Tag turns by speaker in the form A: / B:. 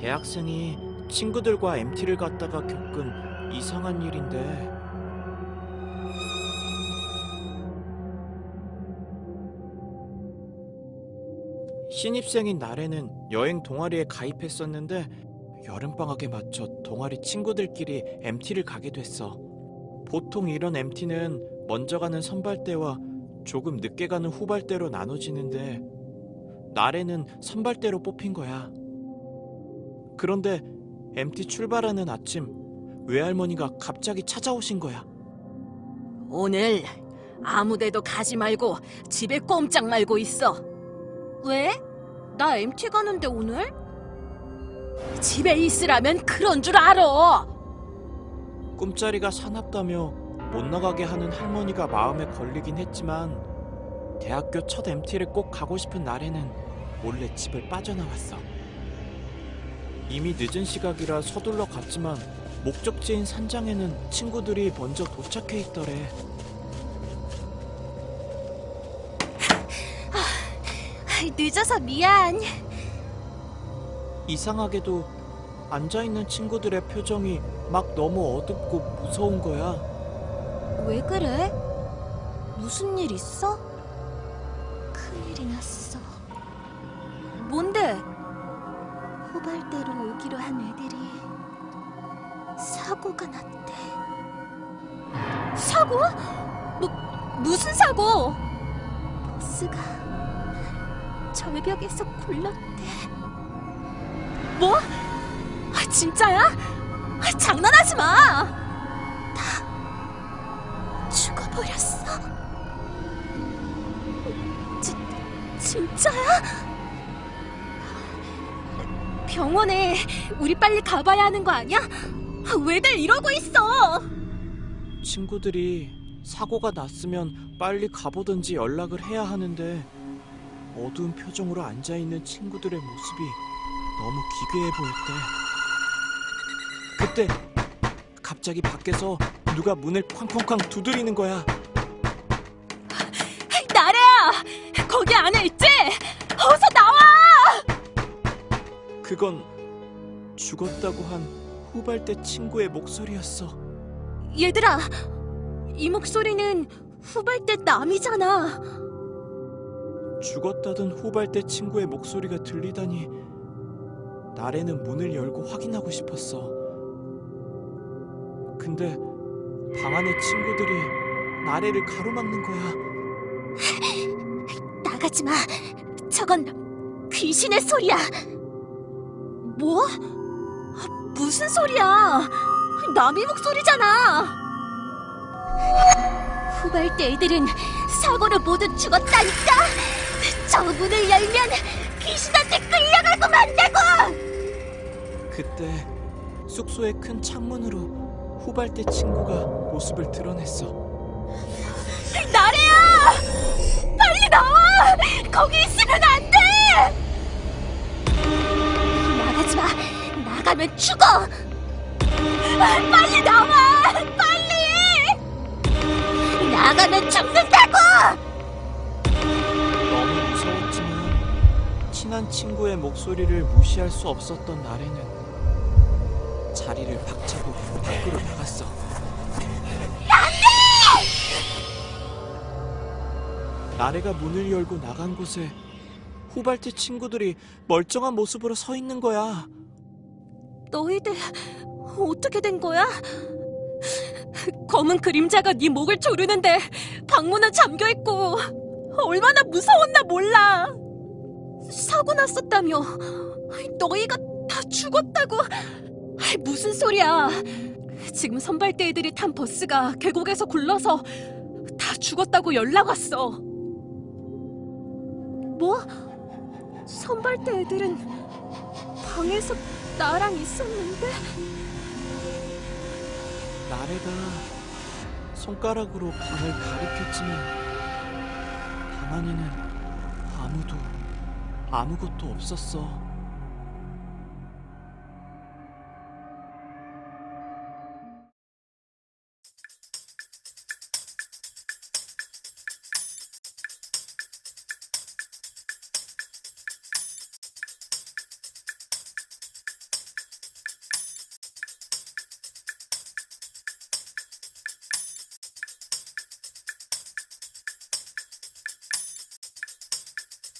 A: 대학생이 친구들과 MT를 갔다가 겪은 이상한 일인데 신입생인 나래는 여행 동아리에 가입했었는데 여름방학에 맞춰 동아리 친구들끼리 MT를 가게 됐어. 보통 이런 MT는 먼저 가는 선발대와 조금 늦게 가는 후발대로 나눠지는데 나래는 선발대로 뽑힌 거야. 그런데 MT 출발하는 아침 외할머니가 갑자기 찾아오신 거야.
B: 오늘 아무데도 가지 말고 집에 꼼짝 말고 있어. 왜? 나 MT 가는데 오늘? 집에 있으라면 그런 줄 알아.
A: 꿈자리가 사납다며 못 나가게 하는 할머니가 마음에 걸리긴 했지만 대학교 첫 MT를 꼭 가고 싶은 나래는 몰래 집을 빠져나왔어. 이미 늦은 시각이라 서둘러 갔지만 목적지인 산장에는 친구들이 먼저 도착해 있더래.
B: 늦어서 미안.
A: 이상하게도 앉아있는 친구들의 표정이 막 너무 어둡고 무서운 거야.
B: 왜 그래? 무슨 일 있어? 큰일이 났어. 뭔데? 후발대로 오기로 한 애들이 사고가 났대. 사고? 무슨 사고? 버스가 절벽에서 굴렀대. 뭐? 진짜야? 장난하지 마! 다 죽어버렸어. 진짜야? 병원에 우리 빨리 가봐야 하는 거 아니야? 왜들 이러고 있어?
A: 친구들이 사고가 났으면 빨리 가보든지 연락을 해야 하는데 어두운 표정으로 앉아있는 친구들의 모습이 너무 기괴해 보였대. 그때 갑자기 밖에서 누가 문을 쾅쾅쾅 두드리는 거야.
B: 나래야! 거기 안에 있지? 어서 나와!
A: 그건 죽었다고 한 후발대 친구의 목소리였어.
B: 얘들아, 이 목소리는 후발대 남이잖아.
A: 죽었다던 후발대 친구의 목소리가 들리다니 나래는 문을 열고 확인하고 싶었어. 근데 방 안의 친구들이 나래를 가로막는 거야.
B: 나가지 마. 저건 귀신의 소리야. 뭐? 무슨 소리야? 남의 목소리잖아. 후발대 애들은 사고로 모두 죽었다니까. 저 문을 열면 귀신한테 끌려가고 만다고.
A: 그때 숙소의 큰 창문으로 후발대 친구가 모습을 드러냈어.
B: 나래야! 빨리 나와! 거기 있으면 안 돼! 나가지 마! 나가면 죽어! 빨리 나와! 빨리! 나가면 죽는다고!
A: 너무 무서웠지만 친한 친구의 목소리를 무시할 수 없었던 나래는 자리를 박차고 밖으로 나갔어. 나래가 문을 열고 나간 곳에 후발대 친구들이 멀쩡한 모습으로 서 있는 거야.
B: 너희들 어떻게 된 거야? 검은 그림자가 네 목을 조르는데 방문은 잠겨있고 얼마나 무서웠나 몰라. 사고 났었다며. 너희가 다 죽었다고. 무슨 소리야. 지금 선발대 애들이 탄 버스가 계곡에서 굴러서 다 죽었다고 연락 왔어. 뭐? 선발대 애들은 방에서 나랑 있었는데?
A: 나래가 손가락으로 방을 가리켰지만 방 안에는 아무것도 없었어.